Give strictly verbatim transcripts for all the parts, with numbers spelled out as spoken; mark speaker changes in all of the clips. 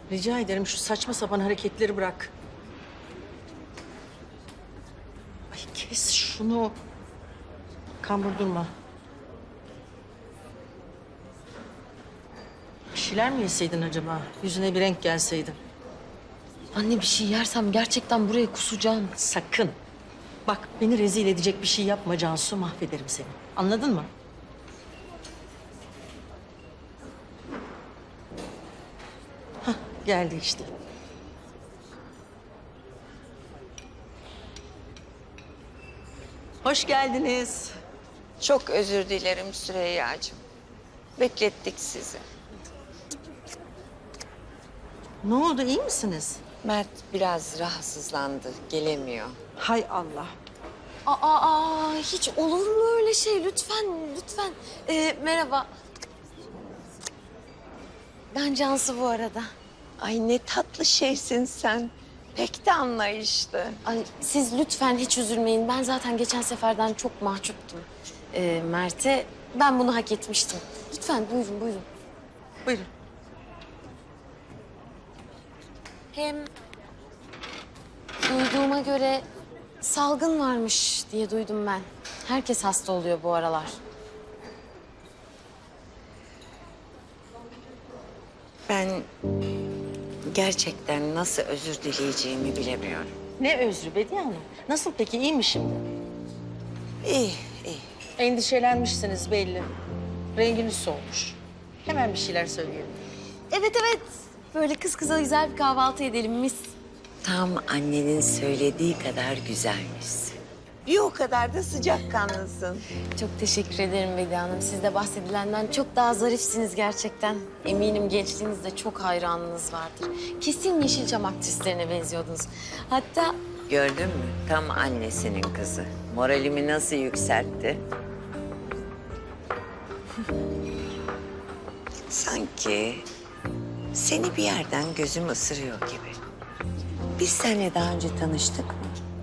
Speaker 1: Rica ederim şu saçma sapan hareketleri bırak. Ay kes şunu. Kambur durma. Bir şeyler mi yeseydin acaba? Yüzüne bir renk gelseydi.
Speaker 2: Anne bir şey yersem gerçekten buraya kusacağım.
Speaker 1: Sakın. Bak beni rezil edecek bir şey yapma Cansu, mahvederim seni. Anladın mı? Hah, geldi işte. Hoş geldiniz.
Speaker 3: Çok özür dilerim Süreyya'cığım. Beklettik sizi.
Speaker 1: Ne oldu, iyi misiniz?
Speaker 3: Mert biraz rahatsızlandı, gelemiyor.
Speaker 1: Hay Allah.
Speaker 2: Aa, aa, hiç olur mu öyle şey? Lütfen, lütfen. Ee, merhaba. Ben Cansu bu arada.
Speaker 3: Ay ne tatlı şeysin sen. Pek de anlayışlı.
Speaker 2: Ay, siz lütfen hiç üzülmeyin. Ben zaten geçen seferden çok mahcuptum. Ee, Mert'e ben bunu hak etmiştim. Lütfen buyurun, buyurun.
Speaker 1: Buyurun.
Speaker 2: Hem duyduğuma göre salgın varmış diye duydum ben. Herkes hasta oluyor bu aralar.
Speaker 3: Ben gerçekten nasıl özür dileyeceğimi bilemiyorum.
Speaker 1: Ne özrü Bediye Hanım? Nasıl peki, iyi mi şimdi?
Speaker 3: İyi, iyi.
Speaker 1: Endişelenmişsiniz belli. Renginiz solmuş. Hemen bir şeyler söyleyelim.
Speaker 2: Evet, evet. Böyle kız kıza güzel bir kahvaltı edelim mis.
Speaker 3: Tam annenin söylediği kadar güzelmişsin. Bir o kadar da sıcakkanlısın.
Speaker 2: Çok teşekkür ederim Bediye Hanım. Siz de bahsedilenden çok daha zarifsiniz gerçekten. Eminim gençliğinizde çok hayranınız vardır. Kesin Yeşilçam aktrislerine benziyordunuz. Hatta
Speaker 3: Gördün mü? Tam annesinin kızı. Moralimi nasıl yükseltti? Sanki seni bir yerden gözüm ısırıyor gibi. Biz seninle daha önce tanıştık mı?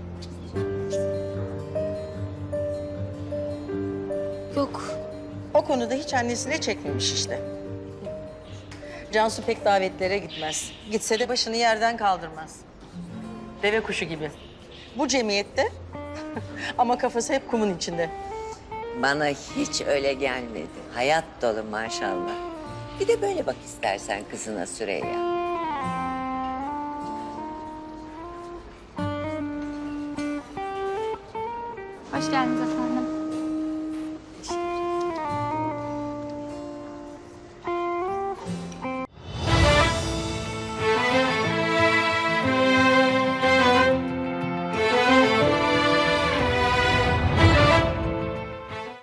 Speaker 2: yok.
Speaker 1: O konuda hiç annesine çekmemiş işte. Cansu pek davetlere gitmez. Gitse de başını yerden kaldırmaz. Deve kuşu gibi. Bu cemiyette ama kafası hep kumun içinde.
Speaker 3: Bana hiç öyle gelmedi. Hayat dolu maşallah. Bir de böyle bak istersen kızına Süreyya.